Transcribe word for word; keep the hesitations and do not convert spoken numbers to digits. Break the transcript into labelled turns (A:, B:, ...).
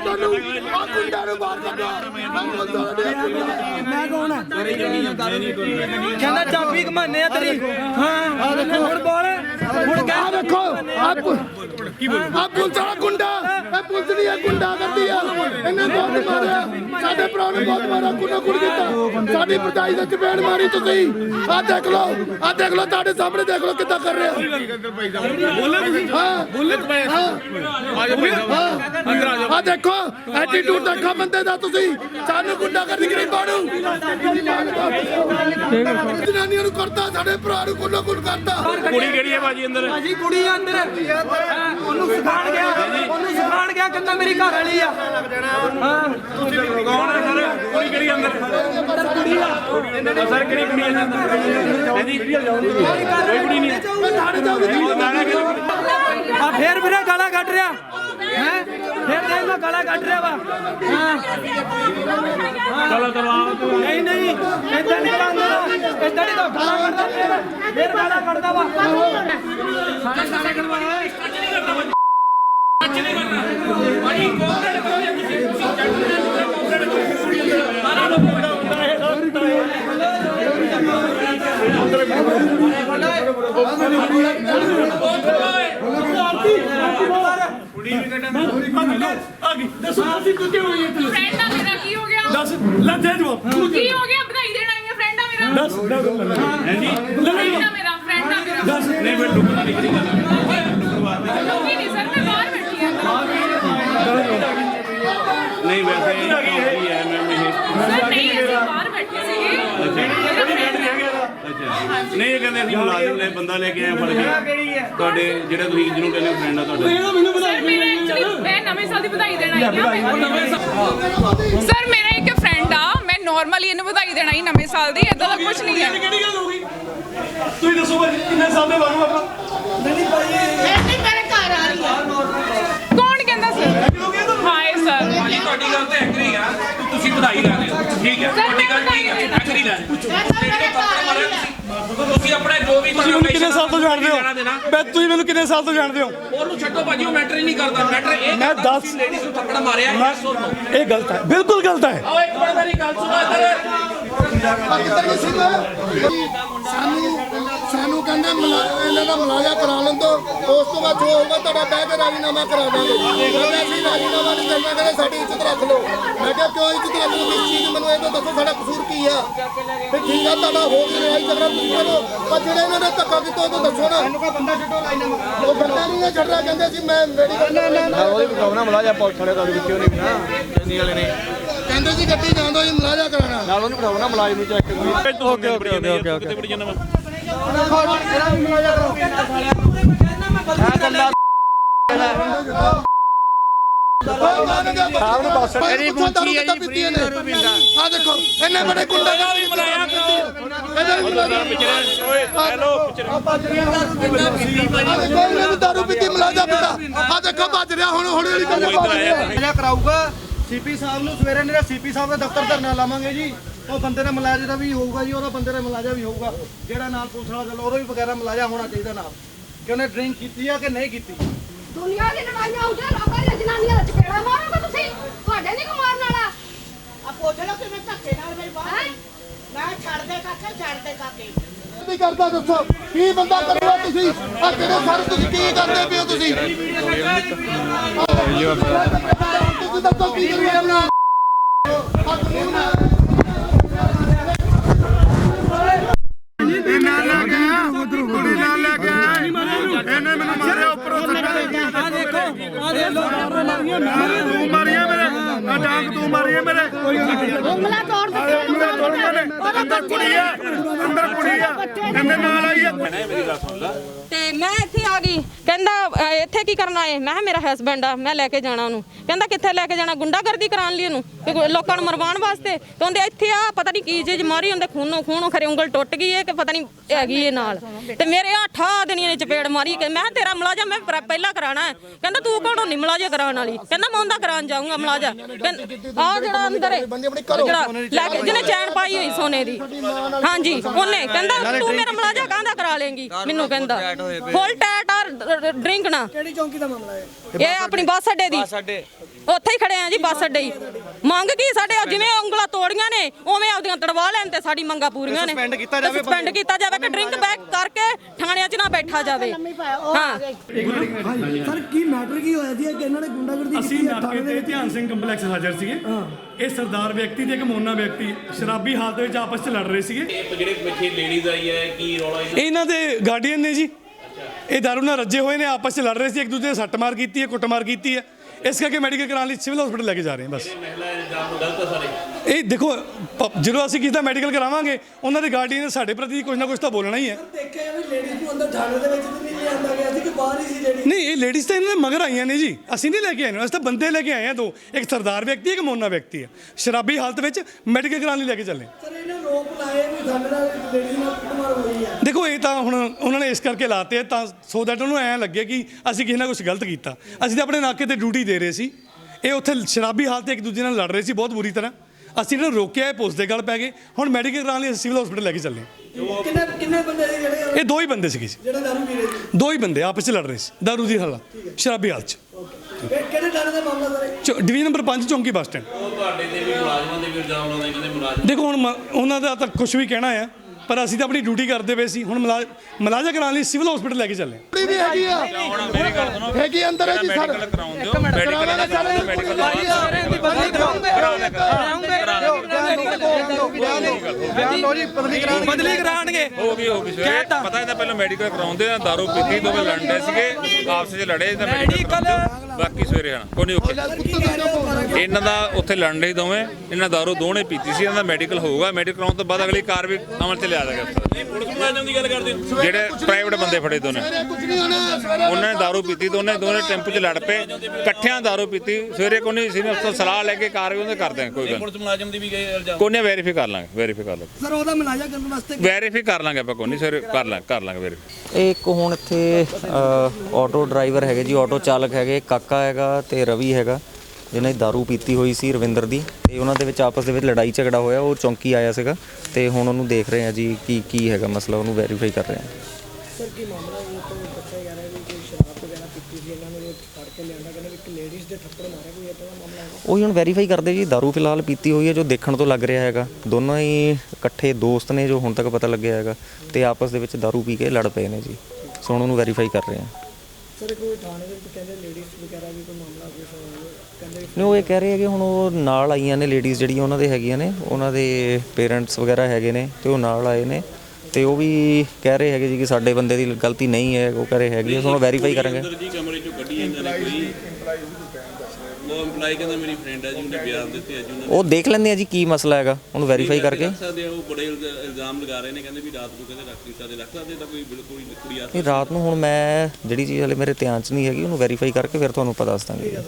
A: ਤੁਹਾਨੂੰ ਆ ਗੁੰਡਿਆਂ ਨੂੰ ਬਾਹਰ ਕੱਢੋ।
B: ਮੈਂ ਕੌਣ ਆ ਕਹਿੰਦਾ ਚਾਬੀ ਘਮਾਨੇ ਆ ਤੇਰੀ ਹਾਂ ਆ ਦੇਖੋ ਹੁਣ ਬੋਲ ਹੁਣ
A: ਆ ਦੇਖੋ ਆ ਆ ਪੁਲਿਸ ਵਾਲਾ ਗੁੰਡਾ ਇਹ ਪੁਲਿਸ ਨਹੀਂ ਹੈ ਗੁੰਡਾ ਕਰਦੀ ਆ ਇਹਨੇ ਬਹੁਤ ਮਾਰਿਆ ਸਾਡੇ ਭਰਾ ਨੂੰ ਬਹੁਤ ਮਾਰਿਆ ਕੁੱਟਾ ਕੁੱਟ ਦਿੱਤਾ ਸਾਡੀ ਭਰਜਾਈ ਦੇ ਚਪੇੜ ਮਾਰੀ ਤੁਸੀਂ ਆ ਦੇਖ ਲਓ ਆ ਦੇਖ ਲਓ ਤੁਹਾਡੇ ਸਾਹਮਣੇ ਦੇਖ ਲਓ ਕਿੱਦਾਂ ਕਰ ਰਿਹਾ ਬੋਲੇ ਤੁਸੀਂ ਹਾਂ ਬੋਲੇ ਹਾਂ ਆ ਦੇਖੋ ਐਟੀਟਿਊਡ ਦੇਖੋ ਬੰਦੇ ਦਾ ਤੁਸੀਂ ਸਾਨੂੰ ਗੁੰਡਾ ਕਰਦੀ ਗਰੀਬਾਂ ਨੂੰ ਜਨਾਨੀਆਂ ਨੂੰ ਕਰਦਾ ਸਾਡੇ ਭਰਾ ਨੂੰ ਕੁੱਟਾ ਕੁੱਟ ਕਰਦਾ
C: ਕੁੜੀ ਕਿਹੜੀ ਹੈ ਬਾਜੀ ਅੰਦਰ
B: ਭਾਜੀ ਕੁੜੀ ਆ ਅੰਦਰ ਉਹਨੂੰ ਸਿਖਾਣ ਗਿਆ ਉਹਨੂੰ ਸਿਖਾਣ ਗਿਆ ਕਹਿੰਦਾ ਮੇਰੀ ਘਰ ਵਾਲੀ ਆ ਹਾਂ
C: ਕੌਣ ਹੈ ਸਰ ਕੁੜੀ ਕਿਹੜੀ ਅੰਦਰ
B: ਕੁੜੀ ਆ
C: ਸਰ ਕਿਹੜੀ ਕੁੜੀ ਹੈ ਅੰਦਰ ਇਹਦੀ ਕੋਈ ਕੁੜੀ ਨਹੀਂ
B: ਆ ਫੇਰ ਵੀਰੇ ਗਾਲਾਂ ਕੱਢ ਰਿਹਾ ਹੈ ਫੇਰ ਦੇਖ ਲੋ ਗਾਲਾਂ ਕੱਢ ਰਿਹਾ ਵਾ ਹਾਂ
C: ਚਲੋ ਚਲੋ
B: ਨਹੀਂ ਨਹੀਂ ਇਦਾਂ ਨਹੀਂ ਕਰਦਾ ਇਦਾਂ ਨਹੀਂ ਗਾਲਾਂ ਕੱਢਦਾ ਫੇਰ ਫੇਰ ਗਾਲਾਂ ਕੱਢਦਾ ਵਾ ਸਾਰੇ ਗਾਲਾਂ ਕੱਢਵਾ
A: ਦੱਸੋ ਅਸੀਂ ਤੂੰ ਕਿਉਂ ਹੋਈ ਇੱਥੇ
D: ਫਰੈਂਡ ਆ ਮੇਰਾ ਕੀ ਹੋ ਗਿਆ
A: ਦੱਸ ਲੈ ਦੇ ਜਵਾਬ
D: ਕੀ ਹੋ ਗਿਆ ਵਧਾਈ ਦੇਣ ਆਈ ਆ ਫਰੈਂਡ ਆ ਮੇਰਾ
A: ਦੱਸ
C: ਹੈ ਜੀ
D: ਫਰੈਂਡ ਆ ਮੇਰਾ ਫਰੈਂਡ ਆ ਮੇਰਾ
A: ਦੱਸ
C: ਨਹੀਂ ਮੈਂ ਡੁੱਬ ਨਹੀਂ ਕਰੀ
D: ਲੋਕੀ ਨਹੀਂ ਸਰ ਮੈਂ ਬਾਹਰ ਬੈਠੀ ਆ
C: ਨਹੀਂ ਵੈਸੇ ਹੀ ਹੈ ਮੈਮ ਇਹ
D: ਸਰ ਨਹੀਂ ਅਸੀਂ ਬਾਹਰ ਬੈਠੇ ਸੀਗੇ
C: ਅੱਛਾ ਨਹੀਂ ਇਹ ਕਹਿੰਦੇ ਅਸੀਂ ਮੁਲਾਜ਼ਮ ਲੈ ਬੰਦਾ ਲੈ ਕੇ ਆਏ ਫੜ ਕੇ ਤੁਹਾਡੇ ਜਿਹੜਾ ਤੁਸੀਂ ਜਿਹਨੂੰ ਕਹਿੰਦੇ ਫਰੈਂਡ ਆ ਤੁਹਾਡਾ
D: ਸਰ ਮੇਰਾ ਐਕਚੁਅਲੀ ਮੈਂ ਨਵੇਂ ਸਾਲ ਦੀ ਵਧਾਈ ਦੇਣ ਆਈ ਆ ਸਰ ਮੇਰਾ ਇੱਕ ਫਰੈਂਡ ਆ ਮੈਂ ਨਾਰਮਲੀ ਇਹਨੂੰ ਵਧਾਈ ਦੇਣ ਆਈ ਨਵੇਂ ਸਾਲ ਦੀ ਇਦਾਂ ਦਾ ਕੁਝ ਨਹੀਂ ਹੈ
A: ਕਿਹੜੀ ਗੱਲ ਹੋ ਗਈ ਤੁਸੀਂ ਦੱਸੋ ਭਾਜੀ ਕਿੰਨੇ ਸਾਲ ਦੇ ਬਾਅਦ ਆਪਾਂ ਨਹੀਂ
D: ਨਹੀਂ ਮੇਰੇ ਘਰ ਆ ਰਹੀ ਆ ਕੌਣ ਕਹਿੰਦਾ ਸਰ ਹਾਏ ਸਰ
E: ਭਾਜੀ ਤੁਹਾਡੀ ਗੱਲ ਤੇ ਐਗਰੀ ਆ ਤੁਸੀਂ ਵਧਾਈ ਲੈ ਰਹੇ ਹੋ ਠੀਕ ਹੈ ਤੁਹਾਡੀ ਗੱਲ ਠੀਕ ਹੈ ਐਗਰੀ ਲੈ ਤੁਸੀਂ ਆਪਣੇ ਜੋ ਵੀ
A: ਤੁਸੀਂ ਮੈਨੂੰ ਕਿੰਨੇ ਸਾਲ ਤੋਂ ਜਾਣਦੇ ਹੋ ਮੈਂ ਤੁਸੀਂ ਮੈਨੂੰ ਕਿੰਨੇ ਸਾਲ ਤੋਂ ਜਾਣਦੇ ਹੋ
E: ਉਹਨੂੰ ਛੱਡੋ ਭਾਜੀ ਉਹ ਮੈਟਰ ਹੀ ਨਹੀਂ ਕਰਦਾ ਮੈਟਰ ਇਹ
A: ਮੈਂ ਦਸ
E: ਲੇਡੀਜ਼ ਨੂੰ ਥੱਪੜ ਮਾਰਿਆ ਇਹ ਸੁਣੋ
A: ਇਹ ਗਲਤ ਹੈ ਬਿਲਕੁਲ ਗਲਤ ਹੈ
E: ਆਓ ਇੱਕ ਮਿੰਟ ਮੇਰੀ ਗੱਲ ਸੁਣੋ
A: ਸਾਨੂੰ ਸਾਨੂੰ ਕਹਿੰਦੇ ਇਹਨਾਂ ਦਾ ਮੁਲਾਜ਼ਾ ਕਰਾ ਲੈਂਦੋ ਉਸ ਤੋਂ ਬਾਅਦ ਜੋ ਹੋਊਗਾ ਤੁਹਾਡਾ ਬਹਿ ਕੇ ਰਾਜੀਨਾਮਾ ਕਰਾ ਦਾਂਗੇ ਕਹਿੰਦੇ ਅਸੀਂ ਰਾਜੀਨਾਮਾ ਨਹੀਂ ਕਰਨਾ ਕਹਿੰਦੇ ਸਾਡੀ ਇੱਜ਼ਤ ਰੱਖ ਲਓ ਮੈਂ ਕਿਹਾ ਕਿਉਂ ਇੱਜ਼ਤ ਰੱਖ ਲਓ ਕਿਸ ਚੀਜ਼ ਮੈਨੂੰ ਇਹ ਤਾਂ ਦੱਸੋ ਸਾਡਾ ਕਸੂਰ ਕੀ ਆ ਤੇ ਠੀਕ ਆ ਤੁਹਾਡਾ ਹੋ ਗਿਆ ਲੜਾਈ ਝਗੜਾ ਤੁਸੀਂ ਕਰੋ ਪਰ ਜਿਹੜੇ ਇਹਨਾਂ ਨੇ ਧੱਕਾ ਕੀਤਾ ਉਹ ਤਾਂ ਦੱਸੋ ਨਾ ਇਹਨੂੰ ਕਾ ਬੰਦਾ ਛੱਡੋ ਰਾਜੀਨਾਮਾ ਉਹ ਬੰਦਾ ਨਹੀਂ ਛੱਡਣਾ ਕਹਿੰਦੇ ਸੀ ਮੈਂ ਮੇਰੀ ਨਾ ਨਾ ਨਾ
F: ਉਹਦੇ ਵਿਖਾਉਣਾ ਮੁਲਾਜ਼ਾ ਪੁਲਿਸ ਵਾਲੇ ਦਾ ਵਿੱਚੋਂ ਨਹੀਂ ਨਾ ਚੰਨੀ ਵਾਲੇ ਨੇ
A: ਕਹਿੰਦੇ ਸੀ ਗੱਡੀ ਜਾਂਦਾ ਜੀ ਮੁਲਾਜ਼ਾ ਕਰਾਣਾ
F: ਨਾਲ ਉਹਨੂੰ ਬਿਠਾਉਣਾ ਮੁਲਾਜ਼ਮ ਨੂੰ ਚੈੱਕ ਕਰੋ
C: ਓਕੇ ਓਕੇ ਓਕੇ ਓਕੇ ਕਿਤੇ ਬੜੀ ਜਾਂਦਾ ਮੈਂ
A: ਸਾਹਿਬ ਨੂੰ ਬੱਸ ਤੇਰੀ ਮੁੰਚੀ ਹੈ ਜੀ ਫ੍ਰੀ ਦਾਰੂ ਪੀਂਦਾ ਆ ਦੇਖੋ ਇੰਨੇ ਬੜੇ ਗੁੰਡੇ ਨਾਲ ਵੀ ਮਲਾਇਆ
C: ਹੈਲੋ
A: ਇਹਨੇ ਵੀ ਦਾਰੂ ਪੀਤੀ ਮੁਲਾਜ਼ਾ ਪੀਤਾ ਆ ਦੇਖੋ ਭੱਜ ਰਿਹਾ ਹੁਣ ਹੌਲੀ ਹੌਲੀ ਕਰਕੇ ਭੱਜ ਰਿਹਾ
B: ਕਰਾਊਗਾ ਸੀਪੀ ਸਾਹਿਬ ਨੂੰ ਸਵੇਰੇ ਨੇ ਸੀਪੀ ਸਾਹਿਬ ਦਾ ਦਫ਼ਤਰ ਧਰਨਾ ਲਾਵਾਂਗੇ ਜੀ ਉਹ ਬੰਦੇ ਦਾ ਮੁਲਾਜ਼ਾ ਦਾ ਵੀ ਹੋਊਗਾ ਜੀ ਉਹਦਾ ਬੰਦੇ ਦਾ ਮੁਲਾਜ਼ਾ ਵੀ ਹੋਊਗਾ ਜਿਹੜਾ ਨਾਲ ਪੁਲਿਸ ਵਾਲਾ ਚੱਲ ਉਹਦਾ ਵੀ ਵਗੈਰਾ ਮੁਲਾਜ਼ਾ ਹੋਣਾ ਚਾਹੀਦਾ ਨਾਲ ਕਿ ਉਹਨੇ ਡਰਿੰਕ ਕੀਤੀ ਆ ਕਿ ਨਹੀਂ ਕੀਤੀ
G: ਦੁਨੀਆ ਦੀ ਲੜਾਈਆਂ ਹੋ ਜਾ ਰੱਬਾਂ ਦੀਆਂ ਜਨਾਨੀਆਂ ਦਾ ਚਪੇੜਾ ਮਾਰੋਗੇ ਤੁਸੀਂ ਤੁਹਾਡੇ ਨਹੀਂ ਕੋ ਮਾਰਨ ਵਾਲਾ
H: ਆ ਪੁੱਛ ਲਓ ਕਿਵੇਂ ਧੱਕੇ ਨਾਲ ਮੇਰੀ ਬਾਹ ਮੈਂ ਛੱਡ ਦੇ ਕਾਕੇ ਛੱਡ ਦੇ ਕਾਕੇ
A: ਕੀ ਕਰਦਾ ਦੱਸੋ ਕੀ ਬੰਦਾ ਕਰੂਗਾ ਤੁਸੀਂ ਆ ਕਿਹੜੇ ਸਰ ਤੁਸੀਂ ਕੀ ਕਰਦੇ ਪਿਓ ਤੁਸੀਂ ਤੁਸੀਂ ਦੱਸੋ ਕੀ ਕਰੀਏ ਆਪਣਾ ਇਹਨਾਂ ਲੈ ਗਿਆ ਕੁੜੀ ਨਾਲ ਲੈ ਗਿਆ ਇਹਨੇ ਮੈਨੂੰ ਮਾਰਿਆ ਉੱਪਰੋਂ
B: ਆ ਦੇਖੋ ਆ ਦੇ ਲੋ
A: ਤੂੰ ਮਾਰੀਆਂ ਮੇਰੇ ਆ ਡਾਂਗ ਤੂੰ ਮਾਰੀਆਂ ਮੇਰੇ
G: ਉਂਗਲਾ ਤੋੜ ਦਿੱਤੇ
A: ਅੰਦਰ ਕੁੜੀ ਆ ਅੰਦਰ ਕੁੜੀ ਆ ਇਹਦੇ ਨਾਲ ਆਈ ਆ
C: ਮੇਰੀ ਗੱਲ ਸੁਣ ਲੈ
I: ਤੇ ਮੈਂ ਇੱਥੇ ਆ ਗਈ ਕਹਿੰਦਾ ਇੱਥੇ ਕੀ ਕਰਨਾ ਹੈ ਮੈਂ ਮੇਰਾ ਹਸਬੈਂਡ ਆ ਮੈਂ ਲੈ ਕੇ ਜਾਣਾ ਉਹਨੂੰ ਕਹਿੰਦਾ ਕਿੱਥੇ ਲੈ ਕੇ ਜਾਣਾ ਗੁੰਡਾਗਰਦੀ ਕਰਾਉਣ ਲਈ ਉਹਨੂੰ ਲੋਕਾਂ ਨੂੰ ਮਰਵਾਉਣ ਵਾਸਤੇ ਤੇ ਉਹਦੇ ਇੱਥੇ ਆ ਪਤਾ ਨਹੀਂ ਕੀ ਚੀਜ਼ ਮਾਰੀ ਉਹਦੇ ਖੂਨੋਂ ਖੂਨੋਂ ਖਰੇ ਉਂਗਲ ਟੁੱਟ ਗਈ ਹੈ ਕਿ ਪਤਾ ਨਹੀਂ ਹੈਗੀ ਇਹ ਨਾਲ ਤੇ ਮੇਰੇ ਆ ਠਾ ਦੇਣੀਆਂ ਨੇ ਚਪੇੜ ਮਾਰੀ ਕਿ ਮੈਂ ਤੇਰਾ ਮੁਲਾਜ਼ਾ ਮੈਂ ਪਹਿਲਾਂ ਕਰਾਣਾ ਹੈ ਕਹਿੰਦਾ ਤੂੰ ਕੌਣ ਨਹੀਂ ਮੁਲਾਜ਼ਾ ਕਰਾਉਣ ਵਾਲੀ ਕਹਿੰਦਾ ਮੈਂ ਉਹਦਾ ਕਰਾਉਣ ਜਾਊਂਗਾ ਮੁਲਾਜ਼ਾ ਆ ਜਿਹੜਾ ਅੰਦਰ ਜਿਹੜਾ ਲੈ ਕੇ ਜਿਹਨੇ ਚੈਨ ਪਾਈ ਹੋਈ ਸੋਨੇ ਦੀ ਹਾਂਜੀ ਉਹਨੇ ਕਹਿੰਦਾ ਤੂੰ ਮੇਰਾ ਮੁਲਾਜ਼ਾ ਕਾਹਦਾ ਕਰਾ ਲੇਂਗੀ ਮੈਨੂੰ ਕਹਿੰਦਾ ਫੁੱਲ ਟੈਟ ਔਰ ਡਰਿੰਕ ਨਾ
B: ਕਿਹੜੀ ਚੌਂਕੀ ਦਾ ਮਾਮਲਾ ਹੈ
I: ਇਹ ਆਪਣੀ ਬੱਸ ਅੱਡੇ ਦੀ
F: ਸਾਡੇ
I: ਉੱਥੇ ਹੀ ਖੜੇ ਆ ਜੀ ਬੱਸ ਅੱਡੇ ਹੀ। ਮੰਗ ਕੀ ਸਾਡੇ ਜਿਵੇਂ ਉਂਗਲਾਂ ਤੋੜੀਆਂ ਨੇ ਉਵੇਂ ਆਪਦੀਆਂ ਤੜਵਾ ਲੈਣ ਤੇ ਸਾਡੀ ਮੰਗਾਂ ਪੂਰੀਆਂ ਨੇ।
B: ਸਸਪੈਂਡ ਕੀਤਾ ਜਾਵੇ,
I: ਸਸਪੈਂਡ ਕੀਤਾ ਜਾਵੇ ਕਿ ਡਰਿੰਕ ਬੈਕ ਕਰਕੇ ਥਾਣਿਆਂ 'ਚ ਨਾ ਬੈਠਾ ਜਾਵੇ। ਹਾਂ
J: ਸਰ ਕੀ ਮੈਟਰ ਕੀ ਹੋਇਆ ਸੀ ਕਿ ਇਹਨਾਂ ਨੇ ਗੁੰਡਾਗਰਦੀ ਕੀਤੀ?
K: ਅਸੀਂ ਨਾਕੇ ਤੇ ਧਿਆਨ ਸਿੰਘ ਕੰਪਲੈਕਸ ਹਾਜ਼ਰ ਸੀਗੇ। ਇਹ ਸਰਦਾਰ ਵਿਅਕਤੀ ਤੇ ਇੱਕ ਮੋਨਾ ਵਿਅਕਤੀ ਸ਼ਰਾਬੀ ਹਾਲਤ ਵਿੱਚ ਆਪਸ 'ਚ ਲੜ ਰਹੇ ਸੀਗੇ।
C: ਜਿਹੜੇ ਪਿੱਛੇ ਲੇਡੀਜ਼ ਆਈ ਹੈ ਕੀ ਰੌਲਾ
K: ਇਹਨਾਂ ਦੇ ਗਾਰਡੀਅਨ ਨੇ ਜੀ, ਇਹ ਦਾਰੂ ਨਾਲ ਰੱਜੇ ਹੋਏ ਨੇ, ਆਪਸ 'ਚ ਲੜ ਰਹੇ ਸੀ, ਇੱਕ ਦੂਜੇ ਦੇ ਸੱਟ ਮਾਰ ਕੀਤੀ ਹੈ, ਕੁੱਟਮਾਰ ਕੀਤੀ ਹੈ। ਇਸ ਕਰਕੇ ਮੈਡੀਕਲ ਕਰਾਉਣ ਲਈ ਸਿਵਲ ਹਸਪੀਟਲ ਲੈ ਕੇ ਜਾ ਰਹੇ ਹਾਂ ਬਸ। ਇਹ ਦੇਖੋ ਪ- ਜਦੋਂ ਅਸੀਂ ਕਿਸੇ ਦਾ ਮੈਡੀਕਲ ਕਰਾਵਾਂਗੇ ਉਹਨਾਂ ਦੇ ਗਾਰਡੀਅਨ ਨੇ ਸਾਡੇ ਪ੍ਰਤੀ ਕੁਝ ਨਾ ਕੁਝ ਤਾਂ ਬੋਲਣਾ ਹੀ ਹੈ।
J: ਦੇਖਿਆ ਵੀ ਲੇਡੀਜ਼ ਨੂੰ ਅੰਦਰ ਥਾਣੇ ਦੇ ਵਿੱਚ ਨਹੀਂ ਲਿਆਂਦਾ ਗਿਆ ਸੀ ਕਿ ਬਾਹਰ ਹੀ ਸੀ ਜਿਹੜੀ?
K: ਨਹੀਂ, ਇਹ ਲੇਡੀਜ਼ ਤਾਂ ਇਹਨਾਂ ਦੇ ਮਗਰ ਆਈਆਂ ਨੇ ਜੀ, ਅਸੀਂ ਨਹੀਂ ਲੈ ਕੇ ਆਏ ਨੇ, ਅਸੀਂ ਤਾਂ ਬੰਦੇ ਲੈ ਕੇ ਆਏ ਆ ਦੋ, ਇੱਕ ਸਰਦਾਰ ਵਿਅਕਤੀ ਇੱਕ ਮੋਨਾ ਵਿਅਕਤੀ ਹੈ, ਸ਼ਰਾਬੀ ਹਾਲਤ ਵਿੱਚ ਮੈਡੀਕਲ ਕਰਾਉਣ ਲਈ ਲੈ ਕੇ ਚੱਲੇ।
J: ਸਰ ਇਹਨਾਂ ਰੋਪ ਲਾਏ ਵੀ ਥਾਣੇ ਨਾਲ ਲੇਡੀਜ਼ ਨਾਲ ਕੁੱਟਮਾਰ ਹੋਈ ਹੈ।
K: ਦੇਖੋ ਇਹ ਤਾਂ ਹੁਣ ਉਹਨਾਂ ਨੇ ਇਸ ਕਰਕੇ ਲਾਤੇ ਆ ਤਾਂ ਸੋ ਦੈਟ ਉਹਨੂੰ ਐਂ ਲੱਗੇ ਕਿ ਅਸੀਂ ਕਿਸੇ ਨਾਲ ਕੁਝ ਗਲਤ ਕੀਤਾ। ਅਸੀਂ ਤਾਂ ਆਪਣੇ ਨਾਕੇ ਤੇ ਡਿਊਟੀ ਦੇ ਰਹੇ ਸੀ, ਇਹ ਉੱਥੇ ਸ਼ਰਾਬੀ ਹਾਲਤ ਇੱਕ ਦੂਜੇ ਨਾਲ ਲੜ ਰਹੇ ਸੀ ਬਹੁਤ ਬੁਰੀ ਤਰ੍ਹਾਂ। ਅਸੀਂ ਇਹਨਾਂ ਨੂੰ ਰੋਕਿਆ, ਇਹ ਪੁਲਿਸ ਦੇ ਗੱਲ ਪੈ ਗਏ। ਹੁਣ ਮੈਡੀਕਲ ਕਰਾਉਣ ਲਈ ਅਸੀਂ ਸਿਵਲ ਹਸਪੀਟਲ ਲੈ ਕੇ ਚੱਲੇ।
J: ਕਿੰਨੇ ਕਿੰਨੇ ਬੰਦੇ ਸੀ ਜਿਹੜੇ
K: ਇਹ ਦੋ ਹੀ ਬੰਦੇ ਸੀਗੇ ਜੀ,
J: ਜਿਹੜੇ ਦਾਰੂ ਪੀ ਰਹੇ ਸੀ?
K: ਦੋ ਹੀ ਬੰਦੇ ਆਪਸ 'ਚ ਲੜ ਰਹੇ ਸੀ ਦਾਰੂ ਦੀ ਹਾਲਤ, ਸ਼ਰਾਬੀ ਹਾਲਤ 'ਚ।
J: ਕਿ- ਕਿਹੜੇ ਥਾਣੇ ਦਾ ਮਾਮਲਾ ਸਰ ਇਹ?
K: ਚੌ- ਡਿਵੀਜ਼ਨ ਨੰਬਰ ਪੰਜ ਚੌਂਕੀ ਬੱਸ ਸਟੈਂਡ।
C: ਉਹ ਤੁਹਾਡੇ ਤੇ ਵੀ ਮੁਲਾਜ਼ਮਾਂ ਦੇ ਵੀ ਇਲਜ਼ਾਮ ਲਾਉਂਦੇ ਕਹਿੰਦੇ ਮੁਲਾਜ਼ਮ
K: ਦੇਖੋ ਹੁਣ ਮ- ਉਹਨਾਂ ਦਾ ਤਾਂ ਕੁਝ ਵੀ ਕਹਿਣਾ ਆ, ਪਰ ਅਸੀਂ ਤਾਂ ਆਪਣੀ ਡਿਊਟੀ ਕਰਦੇ ਪਏ ਸੀ। ਹੁਣ ਮੁਲਾ ਮੁਲਾਜ਼ਾ ਕਰਾਉਣ ਲਈ ਸਿਵਲ ਹਸਪੀਟਲ ਲੈ ਕੇ ਚੱਲੇ।
A: ਕੁੜੀ ਵੀ ਹੈਗੀ ਆ ਹੈਗੀ ਅੰਦਰ ਹੈ ਜੀ ਸਰ।
E: ਕਰਾਉਣ ਦਿਓ ਮੈਡੀਕਲ ਮੈਡੀਕਲ
B: ਬਦਲੀ ਕਰਾਣਗੇ।
E: ਹੋ ਗਈ ਹੋ ਗਈ ਸਵੇਰੇ ਪਤਾ ਇਹਦਾ ਪਹਿਲਾਂ ਮੈਡੀਕਲ ਕਰਾਉਂਦੇ ਆ, ਦਾਰੂ ਪੀਤੀ ਦੋਵੇਂ ਲੜਦੇ ਸੀਗੇ, ਆਪਸ ਵਿੱਚ ਲੜੇ ਤਾਂ ਮੈਡੀਕਲ ਬਾਕੀ ਸਵੇਰੇ ਹਾਂ ਕੋਈ ਨਹੀਂ ਓਕੇ। ਇਹਨਾਂ ਦਾ ਉੱਥੇ ਲੜਨ ਹੀ ਦੋਵੇਂ, ਇਹਨਾਂ ਦਾਰੂ ਦੋਨੇ ਪੀਤੀ ਸੀ, ਇਹਨਾਂ ਦਾ ਮੈਡੀਕਲ ਹੋਊਗਾ। ਮੈਡੀਕਲ ਕਰਾਉਣ ਤੋਂ ਬਾਅਦ ਅਗਲੀ ਕਾਰਵਾਈ ਅਮਲ 'ਚ ਲਿਆ ਜਾਏਗਾ।
C: ਪੁਲਿਸ ਮੁਲਾਜ਼ਮ ਦੀ ਗੱਲ ਕਰਦੇ ਹੋ
E: ਜਿਹੜੇ ਪ੍ਰਾਈਵੇਟ ਬੰਦੇ ਫੜੇ ਦੋਨੇ,
A: ਕੁਝ ਨਹੀਂ ਹੋਣਾ ਸਵੇਰੇ।
E: ਉਹਨਾਂ ਨੇ ਦਾਰੂ ਪੀਤੀ, ਦੋਨੇ ਦੋਨੇ ਟੈਂਪੂ 'ਚ ਲੜ ਪਏ, ਇਕੱਠਿਆਂ ਦਾਰੂ ਪੀਤੀ। ਸਵੇਰੇ ਕੋਈ ਨਹੀਂ ਸੀ, ਉਸ ਤੋਂ ਸਲਾਹ ਲੈ ਕੇ ਕਾਰਵਾਈ ਉਹਦੇ ਕਰਦੇ ਕੋਈ ਗੱਲ
C: ਪੁਲਿਸ ਮੁਲਾਜ਼ਮ ਦੀ ਵੀ ਗਏ ਇਲਜ਼ਾਮ
E: ਕੋਈ ਨਹੀਂ, ਵੈਰੀਫਾਈ ਕਰ ਲਾਂਗੇ ਵੈਰੀਫਾਈ ਕਰ ਲਾਂਗੇ
J: ਸਰ ਉਹਦਾ ਮੁਲਾਜ਼ਾ ਕਰਨ ਵਾਸਤੇ
E: ਵੈਰੀਫਾਈ ਕਰ ਲਾਂਗੇ ਆਪਾਂ ਕੋਈ ਨਹੀਂ ਸਵੇਰੇ ਕਰ ਲਾਂਗੇ ਕਰ ਲਾਂਗੇ ਵੈਰੀਫਾਈ।
L: ਇਹ ਇੱਕ ਹੁਣ ਇੱਥੇ ਆਟੋ ਡਰਾਈਵਰ ਹੈਗੇ ਜੀ, ਆਟੋ ਚਾਲਕ ਹੈਗੇ, ਕਾਕਾ ਹੈਗਾ ਤੇ ਰਵੀ ਹੈਗਾ, ਜਿਹਨੇ ਦਾਰੂ ਪੀਤੀ ਹੋਈ ਸੀ ਰਵਿੰਦਰ ਦੀ, ਤੇ ਉਹਨਾਂ ਦੇ ਵਿੱਚ ਆਪਸ ਦੇ ਵਿੱਚ ਲੜਾਈ ਝਗੜਾ ਹੋਇਆ। ਉਹ ਚੌਂਕੀ ਆਇਆ ਸੀਗਾ ਤੇ ਹੁਣ ਉਹਨੂੰ ਦੇਖ ਰਹੇ ਆ ਜੀ ਕੀ ਕੀ ਹੈਗਾ ਮਸਲਾ, ਉਹਨੂੰ ਵੈਰੀਫਾਈ ਕਰ ਰਹੇ ਆ।
J: ਸਰ ਕੀ ਮਾਮਲਾ ਇਹ ਤੋਂ ਦੱਸਿਆ ਜਾ ਰਿਹਾ ਵੀ ਕੋਈ ਸ਼ਰਾਬ ਵਗੈਰਾ ਪੀਤੀ ਸੀ ਇਹਨਾਂ ਨੂੰ ਫੜ ਕੇ ਲਿਆਂਦਾ, ਕਹਿੰਦੇ ਵੀ ਇੱਕ ਲੇਡੀਜ਼ ਦੇ ਥੱਪੜ ਮਾਰਿਆ, ਕੋਈ ਇਦਾਂ ਦਾ ਮਾਮਲਾ ਹੈ?
L: ਉਹੀ ਹੁਣ ਵੈਰੀਫਾਈ ਕਰਦੇ ਜੀ। ਦਾਰੂ ਫਿਲਹਾਲ ਪੀਤੀ ਹੋਈ ਹੈ ਜੋ ਦੇਖਣ ਤੋਂ ਲੱਗ ਰਿਹਾ ਹੈਗਾ। ਦੋਨੋਂ ਹੀ ਇਕੱਠੇ ਦੋਸਤ ਨੇ ਜੋ ਹੁਣ ਤੱਕ ਪਤਾ ਲੱਗਿਆ ਹੈਗਾ, ਤੇ ਆਪਸ ਦੇ ਵਿੱਚ ਦਾਰੂ ਪੀ ਕੇ ਲੜ ਪਏ ਨੇ ਜੀ। ਸੋ ਹੁਣ ਉਹਨੂੰ ਵੈਰੀਫਾਈ ਕਰ ਰਹੇ ਆ।
J: ਸਰ ਕੋਈ ਥਾਣੇ ਦੇ ਵਿੱਚ ਕਹਿੰਦੇ ਲੇਡੀਜ਼ ਵਗੈਰਾ ਵੀ ਕੋਈ ਮਾਮਲਾ ਕੁਝ ਕਹਿੰਦੇ?
L: ਨਹੀਂ, ਉਹ ਇਹ ਕਹਿ ਰਹੇ ਹੈਗੇ ਹੁਣ ਉਹ ਨਾਲ ਆਈਆਂ ਨੇ ਲੇਡੀਜ਼ ਜਿਹੜੀਆਂ ਉਹਨਾਂ ਦੇ ਹੈਗੀਆਂ ਨੇ, ਉਹਨਾਂ ਦੇ ਪੇਰੈਂਟਸ ਵਗੈਰਾ ਹੈਗੇ ਨੇ ਤੇ ਉਹ ਨਾਲ ਆਏ ਨੇ, ਤੇ ਉਹ ਵੀ ਕਹਿ ਰਹੇ ਹੈਗੇ ਜੀ ਕਿ ਸਾਡੇ ਬੰਦੇ ਦੀ ਗਲਤੀ ਨਹੀਂ ਹੈ। ਉਹ ਕਹਿ ਰਹੇ ਹੈਗੇ ਹੁਣ ਵੈਰੀਫਾਈ ਕਰਾਂਗੇ।
C: ਜੀ ਕਮਰੇ ਚੋਂ ਕੱਢੀ ਜਾਂਦੇ ਨੇ ਕੋਈ ਉਹ EMPLOYE ਕਹਿੰਦਾ ਮੇਰੀ ਫਰੈਂਡ ਹੈ ਜੀ, ਉਹਨੇ ਬਿਆਨ ਦਿੱਤੇ ਅੱਜ ਉਹਨਾਂ
L: ਉਹ ਦੇਖ ਲੈਂਦੇ ਆ ਜੀ ਕੀ ਮਸਲਾ ਹੈਗਾ, ਉਹਨੂੰ ਵੈਰੀਫਾਈ ਕਰਕੇ।
C: ਰੱਖ ਸਕਦੇ ਆ, ਉਹ ਬੜੇ ਇਲਜ਼ਾ- ਇਲਜ਼ਾਮ ਲਗਾ ਰਹੇ ਨੇ, ਕਹਿੰਦੇ ਵੀ ਰਾਤ ਨੂੰ ਕਹਿੰਦੇ ਰੱਖ ਨਹੀਂ ਸਕਦੇ। ਰੱਖ ਸਕਦੇ ਤਾਂ ਕੋਈ ਬਿਲਕੁਲ ਹੀ ਕੁੜੀ ਆ
L: ਨਹੀਂ, ਰਾਤ ਨੂੰ ਹੁਣ ਮੈਂ ਜਿਹੜੀ ਚੀਜ਼ ਹਲੇ ਮੇਰੇ ਧਿਆਨ 'ਚ ਨਹੀਂ ਹੈਗੀ, ਉਹਨੂੰ ਵੈਰੀਫਾਈ ਕਰਕੇ ਫਿਰ ਤੁਹਾਨੂੰ ਪਤਾ ਦੱਸ ਦਾਂਗੇ।